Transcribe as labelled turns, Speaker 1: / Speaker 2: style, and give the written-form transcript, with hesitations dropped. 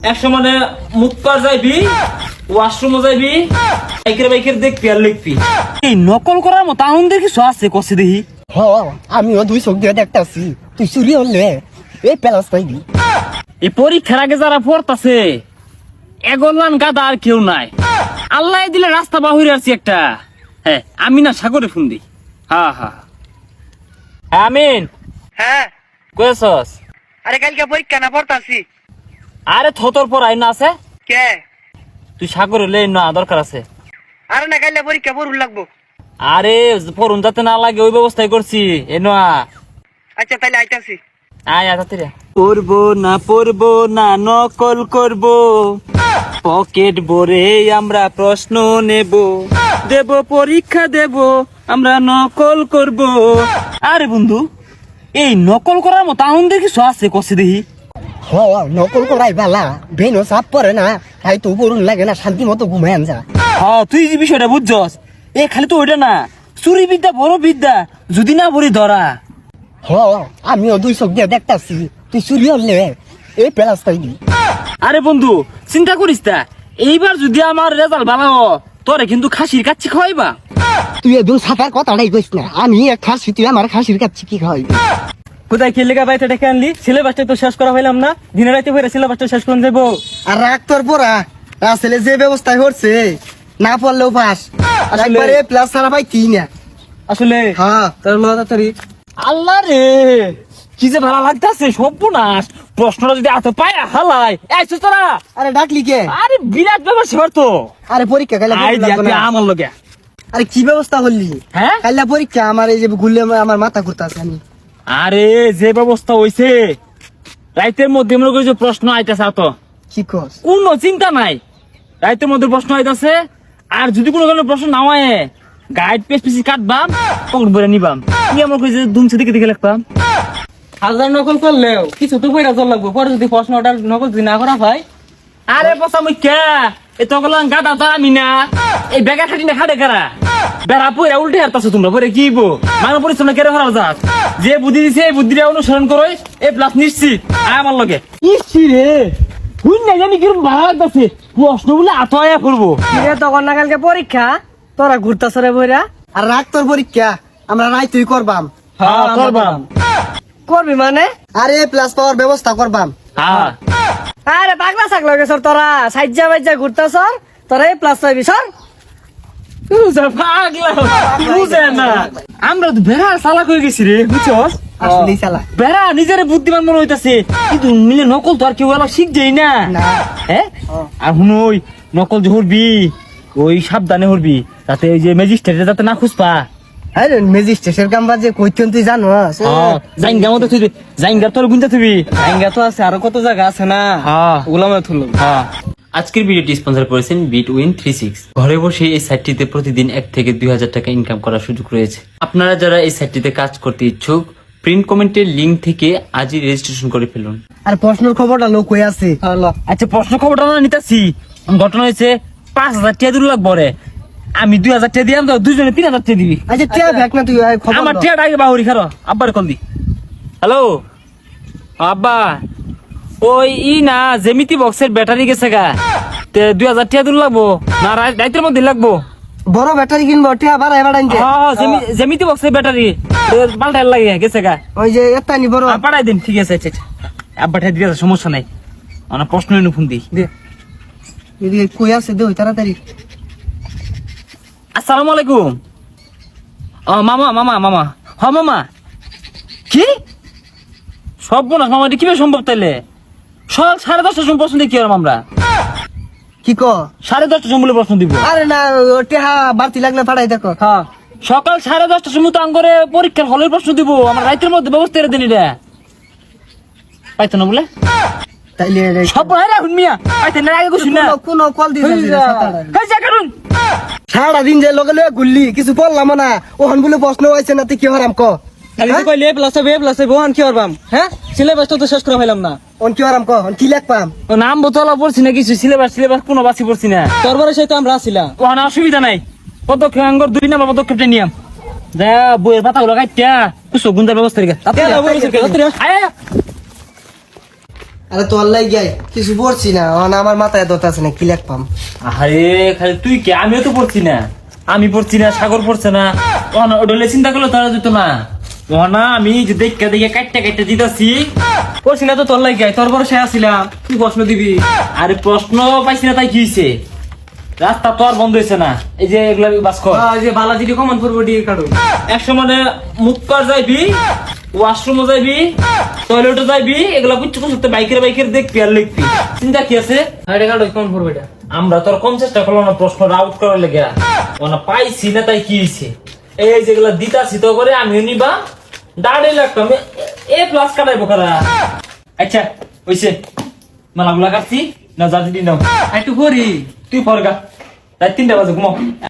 Speaker 1: একশো মানে মুখ পার যাইবি, ওয়াশরুমও যাইবি, বাইকের দেখবি আর লিখবি। এই নকল করার মতো আনন্দের কিছু আছে কষে দেখি।
Speaker 2: আমিও দুই চোখ দিয়ে দেখতেছি, তুই চুরি হলে এই প্যালাস পাইবি।
Speaker 1: এই পরীক্ষার আগে যারা পড়তাছে এগোলান গাদা আর কেউ নাই। আল্লাহ দিলে রাস্তা বাহিরে আছি একটা। হ্যাঁ আমি না সাগরে ফোন দিই। হ্যাঁ হ্যাঁ আমিন,
Speaker 3: হ্যাঁ
Speaker 1: কয়েছস?
Speaker 3: আরে কালকে পরীক্ষা না পড়তাছি।
Speaker 1: আরে থতর পর আইন আছে,
Speaker 3: কে?
Speaker 1: তুই সাগরে লে না দরকার আছে।
Speaker 3: আরে না কালকে পরীক্ষা পড়ুন লাগবো।
Speaker 1: আরে পড়ুন যাতে না লাগে ওই ব্যবস্থাই করছি। এনো
Speaker 3: আচ্ছা তাহলে আইতাছি।
Speaker 1: আয় তাড়াতাড়ি। পড়বো না নকল করব, পকেট ভরে আমরা প্রশ্ন নেব, দেব পরীক্ষা দেব আমরা নকল করব। আরে বন্ধু, এই নকল করার মতো আনন্দের কিছু আছে কষে দেখি।
Speaker 2: নকল করাই বালা, বেনো চাপ পরে না, তাই তো পড়ুন লাগে না, শান্তি মতো ঘুমায় আনজা।
Speaker 1: হ্যাঁ তুই যে বিষয়টা বুঝছস, এ খালি তো ওইটা না, চুরি বিদ্যা বড় বিদ্যা, যদি না বলি ধরা।
Speaker 2: আমিও দুই চোখ দিয়ে দেখতেছি, তুই চুরি হলে এই প্যালাস পাইবি।
Speaker 1: আরে বন্ধু চিন্তা করিস তা, এইবার যদি আমার রেজাল্ট ভালো হয়, তোরে কিন্তু খাসির কাচ্চি খাওয়াইবা।
Speaker 2: তুই একদম সাফার কথাটাই কইস না, আমি এক খাসি, তুই আমার খাসির কাছে কি খাওয়াইবি?
Speaker 1: কোথায় খেলে বাইতে ডেকে আনলি? সিলেবাসটা তো শেষ করা হইলাম না, দিনে রাতে হয়ে সিলেবাসটা শেষ করে দেবো।
Speaker 2: আর রাগ তোর পড়া আসলে যে ব্যবস্থায় করছে, না পড়লেও পাস, একবারে প্লাস ছাড়া পাই কি না।
Speaker 1: আসলে
Speaker 2: হ্যাঁ
Speaker 1: তার তাড়াতাড়ি। আল্লাহ রে, কি যে ভালো লাগতেছে, সর্বনাশ। প্রশ্নটা যদি এত পায় হালাই আইছো তোরা।
Speaker 2: আরে ডাকলি কে?
Speaker 1: আরে বিরাট ব্যাপার সেবার তো।
Speaker 2: আরে পরীক্ষা কাইলা
Speaker 1: আই দিয়া আমার লগে।
Speaker 2: আরে কি ব্যবস্থা করলি?
Speaker 1: হ্যাঁ
Speaker 2: কাইলা পরীক্ষা, আমার এই যে ঘুরলে আমার মাথা ঘুরতাছে। আমি
Speaker 1: আরে যে ব্যবস্থা হইছে, রাইতের মধ্যে মনে করি যে প্রশ্ন আইতেছে, তো
Speaker 2: কি কস?
Speaker 1: কোনো চিন্তা নাই, রাইতের মধ্যে প্রশ্ন আইতাছে। আর যদি কোনো কারণে প্রশ্ন না হয়, গাইড পেজ পিছি কাটবাম, পকেট ভরে নিবাম। কি আমার কইছে দুমছে দিকে দিকে লিখবাম। হাজার নকল করলেও কিছু তো কইরা চল লাগবো, পরে যদি প্রশ্নটা নকল যদি না করা হয়। আরে বসা মুই কে এই তকলাং গাদা তো আমি না, এই বেগা খাটি না খাটে কারা বেড়া পইরা উল্টে হারতাছো তোমরা, পরে কি বো মানো পরিশ্রম কেড়ে হারাও যাস। যে বুদ্ধি দিছে এই বুদ্ধিটা অনুসরণ করো, এই প্লাস নিশ্চিত। আয় আমার লগে। ইসি রে হুই না জানি কিরম ভালো লাগতেছে, প্রশ্ন বলে আতয়া করবো।
Speaker 3: তখন না কালকে পরীক্ষা, তোরা ঘুরতাছ রে বইরা।
Speaker 2: আর রাগ তোর পরীক্ষা, আমরা রাই তুই করবাম।
Speaker 1: হ্যাঁ করবাম।
Speaker 3: করবি মানে?
Speaker 2: আরে প্লাস পাওয়ার ব্যবস্থা করবাম।
Speaker 1: হ্যাঁ
Speaker 3: আরে পাগলা ছাগলা গেছর তোরা, সাইজা বাইজা ঘুরতাছ, তোরা এই প্লাস পাইবি সর।
Speaker 1: আমরা তো বেড়া চালাক হয়ে গেছি রে, বুঝছস?
Speaker 2: আসলেই চালা।
Speaker 1: বেড়া নিজের বুদ্ধিমান মনে হইতাছে, কিন্তু মিলে নকল তো আর কেউ এলা শিখ যাই না। হ্যাঁ আর শুনুই, নকল যে হরবি ওই সাবধানে হরবি, যাতে ওই যে ম্যাজিস্ট্রেট যাতে না খুঁজপা।
Speaker 2: আরে ম্যাজিস্ট্রেটের কাম বাজে কইতেন তুই জানো?
Speaker 1: জাইঙ্গা মতো তুই জাইঙ্গা তোর গুনতে তুই
Speaker 3: জায়গা তো আছে, আরো কত জায়গা আছে না, ওগুলা মনে তুললো।
Speaker 1: আজকের ভিডিওটি স্পন্সর করেছেন Bitwin36। ঘরে বসে এই সাইটটিতে প্রতিদিন 1 থেকে 2,000 টাকা ইনকাম করার সুযোগ রয়েছে। আপনারা যারা এই সাইটটিতে কাজ করতে ইচ্ছুক, প্রিন্ট কমেন্টের লিংক থেকে আজই রেজিস্ট্রেশন করে ফেলুন।
Speaker 2: আর প্রশ্নের খবরটা লোক হয়ে আছে।
Speaker 1: আচ্ছা প্রশ্ন খবরটা না নিতেছি। ঘটনা হয়েছে 5,000 টাকা দূর লাগবো রে, আমি 2,000 টাকা দিলাম, তো দুজনে 3,000 টাকা দিবি।
Speaker 2: আচ্ছা টিয়া দেখ না তুই, খবর
Speaker 1: আমার
Speaker 2: দাও।
Speaker 1: টাকাটা আগে বাহুরি খারো, আব্বার কল দি। হ্যালো আব্বা, ওই না জেমিতি বক্সের ব্যাটারি গেছে গা, 2,000 টাকা দূর লাগবো না, রাইতের মধ্যে লাগবো।
Speaker 2: বড় ব্যাটারি কিনবো, টিয়া বাড়াই বাড়াইতে।
Speaker 1: জেমিতি বক্সের ব্যাটারি পাল্টাই লাগে গেছে গা,
Speaker 2: ওই যে এত্তানি বড়।
Speaker 1: পাঠাই দিন। ঠিক আছে আচ্ছা আব্বা ঠাই দিয়ে সমস্যা নাই, আমার প্রশ্ন এনে ফোন দিই।
Speaker 2: এদিকে কই আছে দে তাড়াতাড়ি।
Speaker 1: আসসালামু আলাইকুম। মামা মামা মামা হ মামা। কি সব বোনাস মামা, এটা কিভাবে সম্ভব? তাইলে সকাল 10:30টার সময় প্রশ্ন দিই কি আমরা?
Speaker 2: কি ক?
Speaker 1: 10:30টার সময় বলে প্রশ্ন দিব।
Speaker 2: আরে না, টিয়া বাড়তি লাগলে পাঠাই দেখো।
Speaker 1: হ্যাঁ সকাল 10:30টার সময় তো আঙ্গরে পরীক্ষার হলের প্রশ্ন দিব, আমার রাইতের মধ্যে ব্যবস্থা করে দিন। এটা পাইতো না বলে
Speaker 2: তাইলে
Speaker 1: সব রাখুন মিয়া, পাইতেন না আগে কিছু না।
Speaker 2: কোন কল দিয়েছে
Speaker 1: কারণ
Speaker 2: সারাদিন যে লগে লগে ঘুরলি, কিছু পড়লাম না, ওখান বলে প্রশ্ন হয়েছে না, তুই কি হারাম ক?
Speaker 3: খালি তো কইলে প্লাস হবে প্লাস হবে, ওহান কি করবাম? হ্যাঁ সিলেবাসটা তো শেষ করে ফেলাম না,
Speaker 2: অন কি হারাম ক? অন কি লেখপাম?
Speaker 1: নাম বোতলা পড়ছি না, কিছু সিলেবাস কোনো বাসি পড়ছি না।
Speaker 3: তোরবারে সেই তো আমরা আসিলাম,
Speaker 1: ওখানে অসুবিধা নাই। পদক্ষেপ আঙ্গর 2 নাম্বার পদক্ষেপটা নিয়াম যা বইয়ের পাতাগুলো কাটিয়া কিছু গুন্দার ব্যবস্থা রেখে
Speaker 2: আরে তোর লাই গাই কিছু পড়ছি না আমার মাথায় দত আছে না কি লিখপাম
Speaker 1: আরে খালি তুই কে, আমিও তো পড়ছি না, আমি পড়ছি না, সাগর পড়ছে না, ওডলে চিন্তা করলে তারা যেত না। না আমি যে দেখে দেখে কাটতে কাটতে দিতেছি,
Speaker 3: করছি না তো তোর লাগে তোর বড় সে আসিলাম তুই প্রশ্ন দিবি।
Speaker 1: আরে প্রশ্ন পাইছি না তাই কি হয়েছে, রাস্তা তো আর বন্ধ হয়েছে না, এই যে এগুলা বাস কর।
Speaker 3: এই যে বালাজিটি কমন পড়বো ডি কাটো।
Speaker 1: একশো মানে মুখ কর যাইবি, ওয়াশরুমও যাইবি, টয়লেটও যাইবি, এগুলা বুঝছো করতে বাইকের দেখবি আর লিখবি, চিন্তা কি আছে?
Speaker 3: এটা কাটো কমন পড়বো এটা।
Speaker 1: আমরা তোর কম চেষ্টা করলাম না প্রশ্ন আউট করার লেগে, ওনা পাইছি না তাই কি হয়েছে, এই যেগুলা দিতাছি তো করে আমিও নিবা, দাঁড়িয়ে লাগতাম এ প্লাস কাটাইবো কারা। আচ্ছা হইছে, মালাগুলা কাটছি না, যা দিদি নাও
Speaker 3: একটু করি
Speaker 1: তুই ফরগা, তাই 3টা বাজে ঘুমাও।